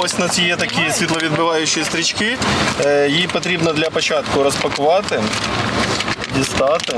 ось у нас є такі світловідбиваючі стрічки. Її потрібно для початку розпакувати, дістати.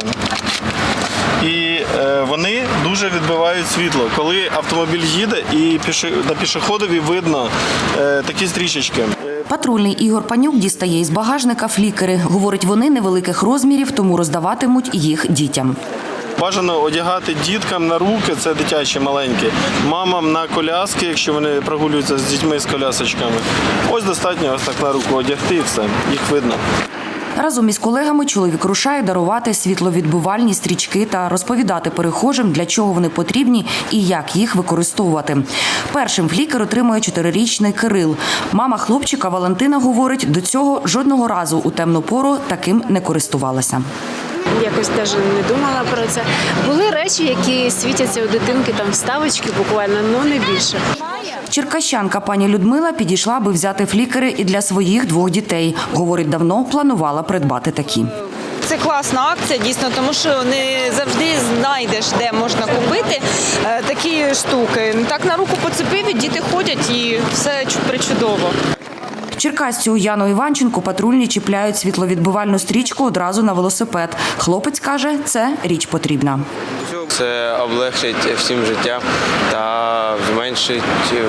І вони дуже відбивають світло. Коли автомобіль їде і на пішоходові видно такі стрічечки. Патрульний Ігор Панюк дістає із багажника флікери. Говорить, вони невеликих розмірів, тому роздаватимуть їх дітям. Бажано одягати діткам на руки, це дитячі маленькі, мамам на коляски, якщо вони прогулюються з дітьми з колясочками. Ось достатньо ось так на руку одягти і все, їх видно. Разом із колегами чоловік рушає дарувати світловідбивальні стрічки та розповідати перехожим, для чого вони потрібні і як їх використовувати. Першим флікер отримує 4-річний Кирил. Мама хлопчика Валентина говорить, до цього жодного разу у темну пору таким не користувалася. Якось навіть не думала про це. Були речі, які світяться у дитинки, там вставочки буквально, але не більше. Черкащанка пані Людмила підійшла, аби взяти флікери і для своїх 2 дітей. Говорить, давно планувала придбати такі. Це класна акція, дійсно, тому що не завжди знайдеш, де можна купити такі штуки. Так на руку поцепив, і діти ходять і все причудово. Черкасцю Яну Іванченку патрульні чіпляють світловідбивальну стрічку одразу на велосипед. Хлопець каже, це річ потрібна. Це облегшить всім життя та зменшить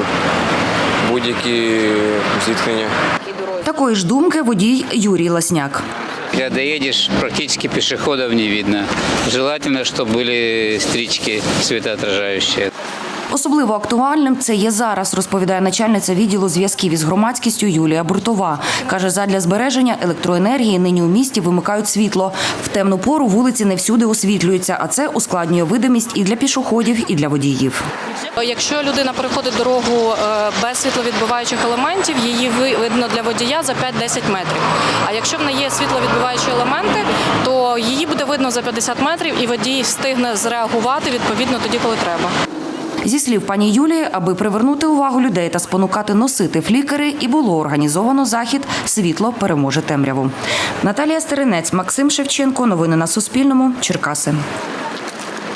будь-які зіткнення. Такої ж думки водій Юрій Ласняк. Когда едешь, практически пешеходов не видно. Желательно, чтобы были стрички светоотражающие. Особливо актуальним це є зараз, розповідає начальниця відділу зв'язків із громадськістю Юлія Буртова. Каже, задля збереження електроенергії нині у місті вимикають світло. В темну пору вулиці не всюди освітлюються, а це ускладнює видимість і для пішоходів, і для водіїв. Якщо людина переходить дорогу без світловідбиваючих елементів, її видно для водія за 5-10 метрів. А якщо в неї є світловідбиваючі елементи, то її буде видно за 50 метрів і водій встигне зреагувати відповідно тоді, коли треба. Зі слів пані Юлії, аби привернути увагу людей та спонукати носити флікери, і було організовано захід «Світло переможе темряву». Наталія Стеренець, Максим Шевченко. Новини на Суспільному. Черкаси.